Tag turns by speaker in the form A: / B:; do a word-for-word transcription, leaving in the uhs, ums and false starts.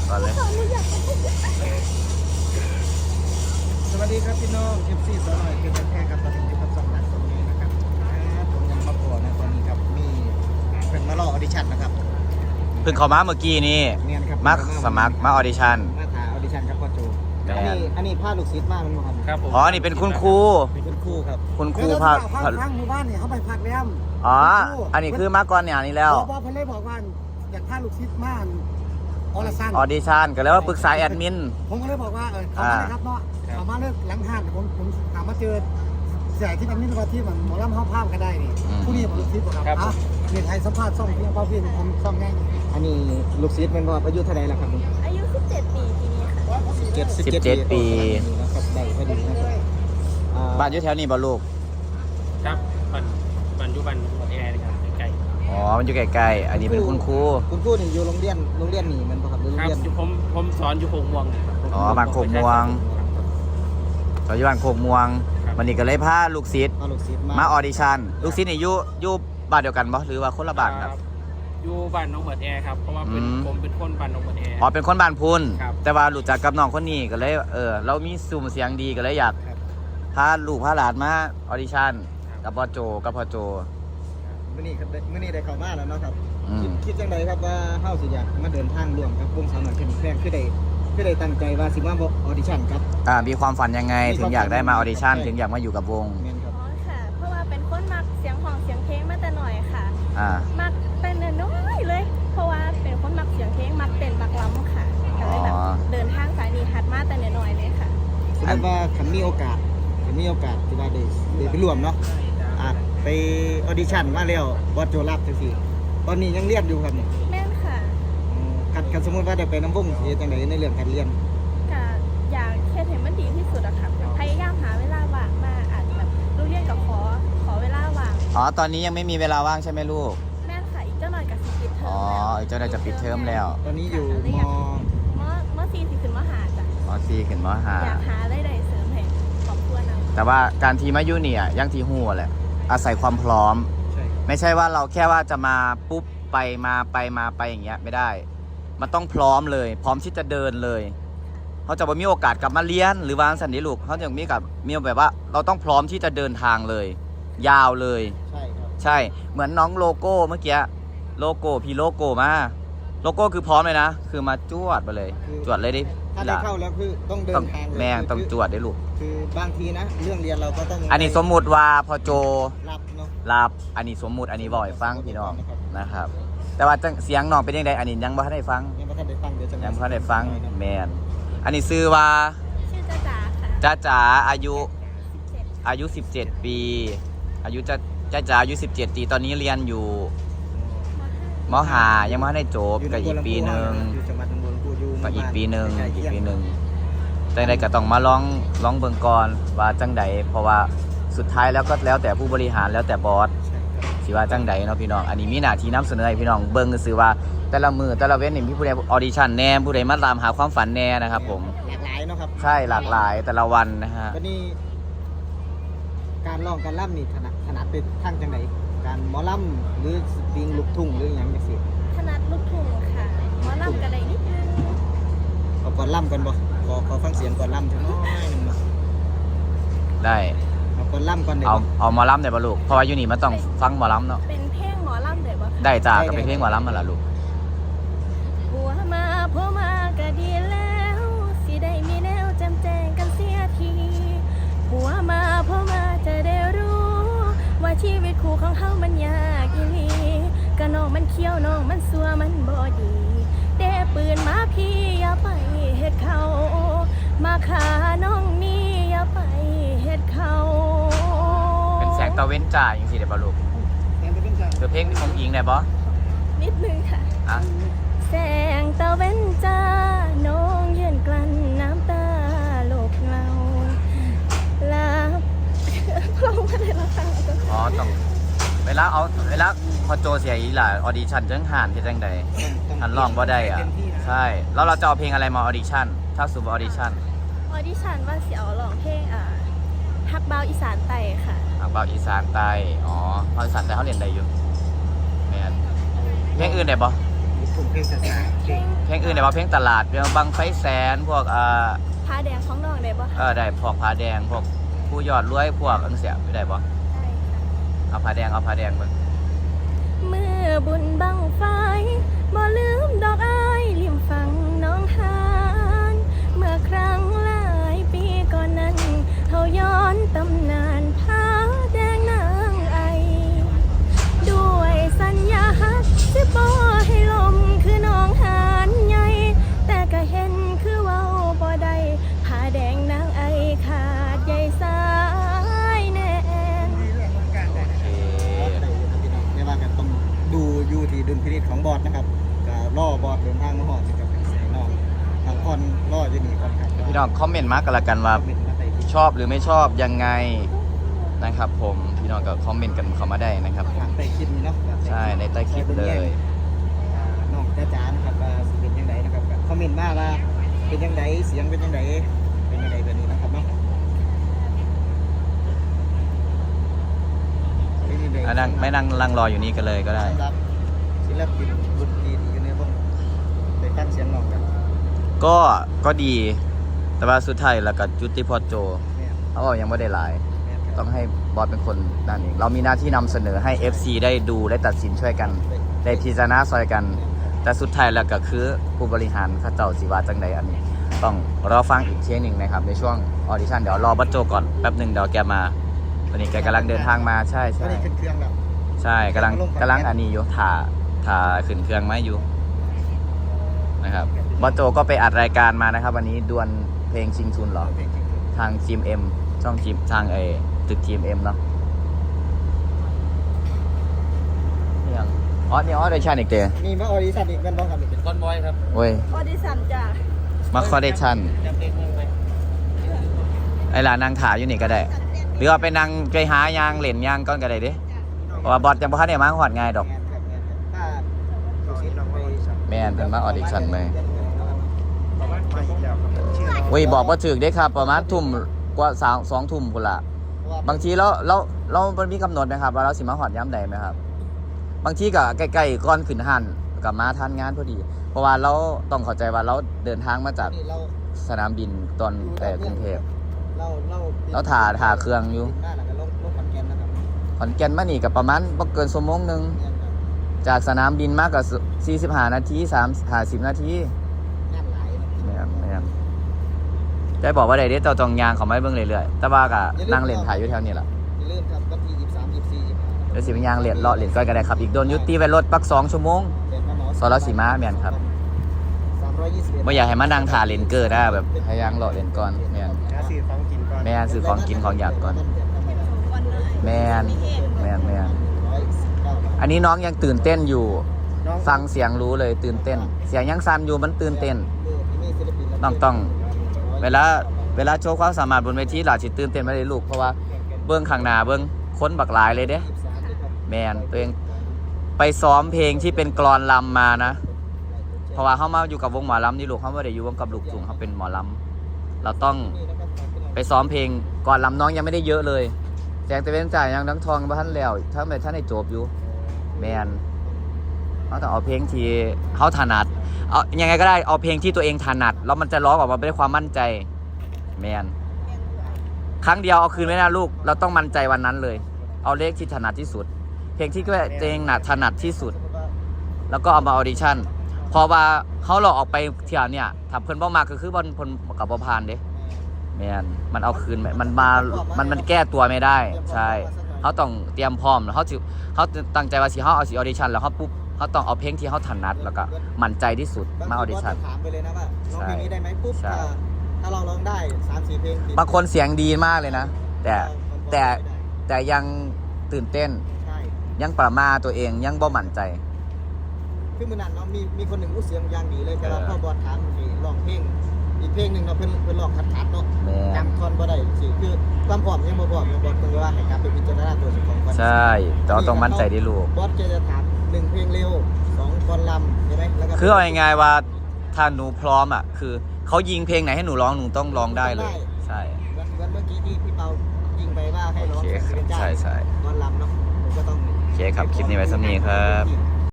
A: ก่อนเลย
B: สวัสดีครับพี่น้อง เอฟ ซี สาวหน่อยคือแค่กับตอนนี้อยู่กับสองนักตรงนี้นะครับผมยังมาตัวนะตอนนี้ครับมีเป็นมารอออดิชั่นนะครับ
A: เพิ่งเข้ามาเมื่อกี้นี่มาสมัครมาออดิชั่น
B: มาถ่ายออดิชั่นครับพ่อโจอันนี้อันนี้พาลูกศิษย์มากมันครับ
C: ครับผม
A: อ๋อนี่เป็นคุณครู
B: เป็นคุณครูครับ
A: คุณครูพา
B: พังหมู่บ้านเนี่ยเขาไปพักแล้ว
A: อ๋ออันนี้คือมาก่อนเนี่ยนี่แล้ว
B: พอเพิ่นเลยบอกว่าอยากพาลูกศิษย์มาออดิชั่น
A: ออดิชั่นก็แล้วว่าปรึกษาแอดมิน
B: ผมก็เลยบอกว่าเออเขามาเลยครับเนาะเขามาเลิกหลังห้างผมผมถามมาเจอเสียที่มันนี่ว่าที่มันหมอลำห้าภาพกันได้นี่ผู้นี้ผมลูกศิษย์ครับอ่ะเรียนไทยสัมภาษณ์ซ่อมเพียงเป้าเพียงผมซ่อมง่ายอันนี้ลูกศิษย์เป็นว่าอายุเท่าไหร่แล้วครับ
D: อายุสิบเจ็ดปีปีนี้ค่ะ
A: สิบเจ็ดปี
B: นะครับได้พอดีนะครับ
A: บ้านอยู่แถวนี้บ่ลูก
C: ครับบ้านบ้านอยู่บ้านหมดแอร์นะครับใกล้
A: อ๋อมันอยู่ใกล้ๆอันนี้เป็นคุณครู
B: คุณครูนี่อยู่โรงเรียนโรงเรียนนี่มันบ่ครับโรง
C: ครับ
B: เรียน
C: อยู่ผมผมสอนอยู่โคกม่วง
A: อ๋อบ้านโคกม่วงสอนอยู่บ้านโคกม่วงวันนี้ก็เลยพาลูกศิษย์มาออดิชั่นลูกศิษย์นี่อยู่อยู่บ้านเดียวกันบ่หรือว่าคนละบ้านครับ
C: อยู่บ้านน้องเหมือดแอร์ครับเพราะว่าเป็นผมเป็นคนบ้านน้องเหมือดแอร์
A: อ๋อเป็นคนบ้านพุน
C: ครับ
A: แต่ว่ารู้จักกับน้องคนนี้ก็เลยเออเรามีสุ่มเสียงดีก็เลยอยากพาลูกพาหลานมาออดิชั่นกับพ่อโจกับพ่อโจ
B: มื้อนี้ครับมื้อนี้ได้เข้ามาแล้วเนาะครับคิดคิดจังไดครับว่าเฮาสิอยากมาเดินทางร่วมกับวงสาวน้อยเพชรแพงคือได้คือได้ตั้งใจว่าสิมาออดิชั่นครับ
A: อ่ามีความฝันยังไงถึงอยากได้มาออดิชั่นถึงอยากมาอยู่กับวง
D: อ๋อค่ะเพราะว่าเป็นคนมักเสียงของเสียงเพลงมาแต่หน่อยค่ะ
A: อ่า
D: มักเป็นน้อยเลยเพราะว่าเป็นคนมักเสียงเพลงมักเต้นมักร้องค่ะก็เลยแบบเดินทางสายนี้หัดมาแต่น้อยเลยค่ะ
B: แสดงว่าคันมีโอกาสคันมีโอกาสที่ว่าได้ได้ไปร่วมเนาะอ่าไปออดิชั่นมาแล้วบอสโจรับจังซี่ตอนนี้ยังเรียนอยู่ครับเนี่ย
D: แม่นค่ะ
B: คันคันสมมุติว่าได้ไปน้ำวงสิจังไดในเรื่องการเรียน
D: ก็อยากเฮ็ดให้มันดีที่สุดอะค่ะพยายามหาเวลาว่างมาอาจแบบลูกเรียนกับขอขอเวลาว่าง
A: อ๋อตอนนี้ยังไม่มีเวลาว่างใช่ไหมลูก
D: แม่นค่ะอีกเจ้าหน่อยกับสิปิดเทอม
A: อ๋ออีกเจ้าหน่อยจะปิดเทอมแล้ว
B: ตอนนี้อยู่ม
D: มมสี่สิขึ้นมหาจ้ะ
A: มสี่ขึ้นมห้า
D: อยากหาได้ได้เสริมให้ครอบครัวนะ
A: แต่ว่าการทีมายุเนี่ยยังทีหูแหละอาศัยความพร้อมไม่ใช่ว่าเราแค่ว่าจะมาปุ๊บไปมาไปมาไปอย่างเงี้ยไม่ได้มันต้องพร้อมเลยพร้อมที่จะเดินเลยเขาจะมีโอกาสกลับมาเรียนหรือวางสันนิลูกเขาจะมีกับมีแบบว่าเราต้องพร้อมที่จะเดินทางเลยยาวเลย
B: ใช่ครับ
A: ใช่เหมือนน้องโลโก้เมื่อกี้โลโก้พี่โลโก้มาโลโก้คือพร้อมเลยนะคือมาจวดไปเลยจวดเลยดิ
B: ถ้าได้เข้าแล้วคือต้องเดินทาง
A: แม่ต้องจวดได้ลูก
B: คือบางทีนะเรื่องเรียนเราก็ต้อง
A: อันนี้สมมุติว่าพอโจ
B: รับเนาะ
A: รับอันนี้สมมุติอันนี้บ่อยฟังพี่น้องนะครับแต่ว่าเสียงน้องเป็นยังไงอันนี้ยังบ่ทันได้ฟัง
B: ยังบ่ทันได้ฟังเดี๋ยวจะ
A: ยังบ่ทันได้ฟังแมนอันนี้ชื่อว่า
D: ชื่อจ้าจ๋าค่ะ
A: จ้าจ๋าอายุอายุสิบเจ็ดปีอายุจ้าจ้าจ๋าอายุสิบเจ็ดปีตอนนี้เรียนอยู่ม.ห้ายังไม่ได้จบก็อีกปีนึงก็อีกปีนึงอีกปีนึงจังใดก็ต้องมาลองลองเบิ่งก่อนว่าจังใดเพราะว่าสุดท้ายแล้วก็แล้วแต่ผู้บริหารแล้วแต่บอสสิว่าจังใดเนาะพี่น้องอันนี้มีหน้าที่นำเสนอให้พี่น้องเบิ่งซื่อว่าแต่ละมือแต่ละเว้นนี่มีผู้ใดออดิชั่นแน่ผู้ใดมาตามหาความฝันแน่นะครับผม
B: หลากหลายเนาะครับ
A: ใช่หลากหลายแต่ละวันนะฮะ
B: วันนี้การร้องการล่ำนี่ถนัดถนัดเป็นทางจังใดการหมอล่ำหรือสตริงลูกทุ่งหรืออย่างจังซี่
D: ถนัดลูกทุ่งค่ะหมอล่ำกันได้นิดนึง
B: เอาก่อนล่ำกันบ่ขอขอฟังเสียงก่อนล่ำจังน้อยนึงบ่
A: ได้
B: เอาก่อนล่ำก่อนได้
A: เอาเอาหมอลำได้บ่ลูกเพราะว่าอยู่นี่มันต้องฟังหมอลำเนาะ
D: เป็นเพลงหมอลำได้บ่
A: ได้จ้าก็เป็นเพลงหมอลำมาละลูก
D: ผัวมาผัวมาก็ดีแล้วสิได้มีแนวจำแจงกันเสียทีผัวมาผัวมาจะได้รู้ว่าชีวิตคู่ของเฮามันยากอีหลีกะน้องมันเขี้ยวน้องมันซัวมันบ่ดีเด้ปืนมาพี่อย่าไปเฮ็ดเขามาขาน้องนี่อย่าไปเฮ็ดเขา
A: เป็นแสงตะเว้นจ่าอย่างสิเดี๋ยวบ่ลูกคือเพลงของอิงได้บ่
D: นิดนึงค่ะ
A: อ่ะ
D: แสงตะเว้นจ้าน้องยืนกลั้นน้ำตาโลกเงาลับเราไม่ได้รับฟัง
A: อ๋อต้องเวลาเอาเวลาพอโจเสียอีหล่ะออดิชั่นจังห่านที่จังใดหันร้องบ่ได้อ่ะใช่แล้วเราจะเอาเพลงอะไรมาออดิชั่นถ้าสู่ออดิชั่น
D: ออดิชั่นว่าสิเอาร้องเพลงอ่าฮักเบาอีสานไต่ค่ะ
A: ฮักเบาอีสานไต่อ๋อเพราะอีสานไต่เขาเรียนได้อยู่แม่นเพลงอื่นได้บ่
B: ผมเพลงสายเพลง
A: เพลงอื่นได้บ่เพลงตลาดเพลงบังไฟแสนพวกเอ่อ
D: ผ้าแดงของน้องได้บ่
A: เออได้พวกผาแดงพวกผู้ยอดรวยพวกอังเสียได้บ่
D: ได้ค่ะ
A: เอาผาแดงเอาผาแดงเบิ่ง
D: เมื่อบุญบังไฟบ่ลืมดอกอ้ายริมฝั่งน้องหานเมื่อครั้งหลายปีก่อนนั้นเฮาย้อนตำนานผ้าแดงนางไอด้วยสัญญาฮักสิบ่ให้ลมคือน้องหานใหญ่แต่ก็เห็นคือเว้าบ่ได้ผ้าแดงนางไอขาดใยสายแน่น
A: โอเค
B: ไม่ว่ากันต้องดูอยู่ที่ดุลพินิจของบอสนะครับก็ล่อบอสเดินทางมาหอดนะครับใส่น้องทางคอนล่ออยู่นี่ก่อนครับ
A: พี่น้องคอมเมนต์มากันละกันว่า
B: เป็นมาใส่ที่
A: ชอบหรือไม่ชอบยังไงนะครับผมพี่น้องก็คอมเมนต์กันเข้ามาได้นะครับผม
B: ใส่คลิปนี้เนาะ
A: ใช่ในใต้คลิปเลย
B: น้องจ้าจ๋านะครับว่าสิเป็นยังไงนะครับก็คอมเมนต์มาว่าเป็นยังไงเสียงเป็นยังไงเป็นยังไงแบบนี้นะครับเนาะเป็นยังไง
A: อ่ะนั่งไม่นั่งลังรออยู่นี่กันเลยก็ได้
B: สำหรับศิลปินดนตรีที่อยู่ในวงได้ตั้งเสียงร้องกัน
A: ก็ก็ดี แต่ว่าสุดท้ายแล้วก็จุติพอโจ
B: แม่น
A: เขาบอกยังไม่ได้หลาย
B: แม่นครับ
A: ต้องให้บอสเป็นคนนั่นเองเรามีหน้าที่นำเสนอให้ เอฟ ซี ได้ดูได้ตัดสินช่วยกัน ได้พิจารณาซอยกัน แต่สุดท้ายแล้วก็คือผู้บริหารเข้าเจ้าสิว่าจังใดอันนี้ ต้องรอฟังอีกเทียหนึ่งนะครับในช่วงออดิชั่นเดี๋ยวรอบัสโจก่อนแป๊บหนึ่งเดี๋ยวแกมาตอนนี้แกกำลังเดินทางมาใช่
B: ก็
A: ใช่
B: ได้ขึ้นเครื่องแล้ว
A: ใช่กำลังกำลังอันนี้อยู่ถ่าถ่าขึ้นเครื่องไม้อยู่นะครับบัสโจก็ไปอัดรายการมานะครับ วันนี้ดวลเพลงชิงทุนเหรอ
B: เพลงจริง
A: ทางทีมเอ็มช่องทีมทางไอตึกทีมเอ็มเนาะนี่ยังอ๋อนี่ออดิชั่นอีกเตะ
B: มีมาออดิชั่นอีกแม่นบ้างครับ
C: เป็นคอนบอยครับ
A: เว้ย
D: ออดิชั่นจ้ะ
A: มาคอเดชั่น
C: จำเพลงนึงไป
A: ไอ้หลานนางถาอยู่นี่ก็ได้ หรือว่าไปนางไปหายางเหรียญยางก้อนก็ได้เดิเพราะว่าบอสยังบ่ทันได้มาหอดง่ายดอก
B: แม่นครับแม่นครับถ้าดูสิลองไป
A: แม่นเพิ่นมาออดิชั่นเลย
C: ประมาณไปอีกแล้วครับ
B: ชื่อน้อง
A: เว้ยบอกว่าถึกได้ครับ ประมาณทุ่มกว่าสามสองทุ่มพุ่นละ บางทีเราเราเรามันมีกำหนดไหมครับว่าเราสิมาหอดย้ำใดไหมครับ บางทีก็ใกล้ๆก่อนขึ้นหันกับมาทันงานพอดี เพราะว่าเราต้องเข้าใจว่าเราเดินทางมาจาก
B: นี่เรา
A: สนามบินตอนแต่กรุงเทพ
B: เราเรา
A: เราถ่าถ่าเครื่องอยู่
B: หน้าหลังก็ลงลงขอนแก่นนะครับ
A: ขอนแก่นมานี่กับประมาณบ่เกินชั่วโมงหนึง
B: แม่นครับ
A: จากสนามบินมากกับสี่สิบห้านาทีสามสิบนาที
B: งานหลายนะ
A: แม่นแม่นได้บอกว่าได้เด้เจ้าจองยางเขาไม่เบิ่งเรื่อยๆแต่ว่าก็นั่งเล่นถ่ายอยู่แถวนี้ล่ะ
B: อย่าลืมครับวันที่ยี่สิบสาม ยี่สิบสี่ ยี่สิบห้า
A: เดี๋ยวสิไปยางเล่นเลาะเล่นก้อยก็ได้ครับ อีกโดนยุติไว้รถปักสองชั่วโมง
B: เดินมาหมอ
A: สรสีม้าแม่นครับ
B: สามร้อยยี่สิบเอ็ด
A: บ่อยากให้มานั่งถ่าเล่นเกิดนะแบบให้ยางเลาะเล่นก่อนแม่น
C: แล้วซื้อของกินก่อน
A: แม่นซื้อของกินของอยากก่อนแม่นแม่นแม่นอันนี้น้องยังตื่นเต้นอยู่ ฟังเสียงรู้เลยตื่นเต้น เสียงยังสั่นอยู่มันตื่นเต้นต้องต้องเวลาเวลาโชว์ความสามารถบนเวทีหลาสิตื่นเต้นไม่ได้ลูกเพราะว่าเบื้องข้างหน้าเบื้องคนบักหลายเลยเด้แมนตัวเองไปซ้อมเพลงที่เป็นกลอนลำมานะ เพราะว่าเขามาอยู่กับวงหมอลำนี่ลูกเขาไม่ได้อยู่วงกับลูกทุ่งเขาเป็นหมอลำเราต้องไปซ้อมเพลงก่อนลำน้องยังไม่ได้เยอะเลยแสงตะเวนจ่ายยังดังทองบ้านแล้วถ้าไม่ท่านได้จบอยู่แมนเขาต้องเอาเพลงที่เขาถนัดเอายังไงก็ได้เอาเพลงที่ตัวเองถนัดแล้วมันจะร้องออกมาด้วยความมั่นใจแมนครั้งเดียวเอาคืนไม่ได้ลูกเราต้องมั่นใจวันนั้นเลย เอาเลขที่ถนัดที่สุด เพลงที่ตัวเองหนัดถนัดที่สุด แล้วก็เอามาออดิชั่นเพราะว่าเขาหลอกออกไปเที่ยวเนี่ยถ้าเพิ่นบ่มาก็คือบอลพลกับบ่ผ่านเด้แมนมันเอาคืนไม่มันมามันมันแก้ตัวไม่ได้ใช่เขาต้องเตรียมพร้อมแล้วเขาสิเขาตั้งใจว่าสิเขาเอาสิออดิชั่นแล้วเขาปุ๊บเขาต้องเอาเพลงที่เขาถนัดแล้วก็มั่นใจที่สุดมาออดิชั่น
B: ถามไปเลยนะว่าร้องเพลงนี้ได้ไหมปุ๊บ
A: ใช่
B: ถ้าถ้าเราร้องได้สามสี่เพลงติด
A: บางคนเสียงดีมากเลยนะ แต่แต่แต่ยังตื่นเต้น
B: ใช่
A: ยังประมาทตัวเองยังบ่มั่นใจ
B: คือมื่อนั้นเนาะมีมีคนหนึ่งอู้เสียงอย่างดีเลยแต่ว่า
A: เออ
B: พ่อบอลถามให้ร้องเพลงอีกเพลงหนึ่งเนาะเพิ่นเพิ่นร้องคัดๆเนาะ
A: แม่
B: จำท่อนบ่ได้สิคือความพร้อมยังบ่พร้อมยังบอกเพิ่นว่าให้กลับไปพิจารณาตัวเจ้าของก่อน
A: ใช่แต่เราต้องมั่นใจที่ลูก
B: บอสแกจะถามหนึ่งเพลงเร็วสองกลอนลำใช่ไหมแล้วก็
A: คือเอาง่ายๆว่าถ้าหนูพร้อมอ่ะคือเขายิงเพลงไหนให้หนูร้องหนูต้องร้องได้เลย ใช่
B: เหมือนเหมือนเมื่อกี้ที่พี่เปายิงไปว่าให้ร้อง
A: โอเคครับ
B: เป็นเจ้า
A: ใช่ใช่
B: กลอนลำเนาะผมก็ต้อง
A: โอเคครับคลิปนี้ไว้สักนี้ครับ
B: ที่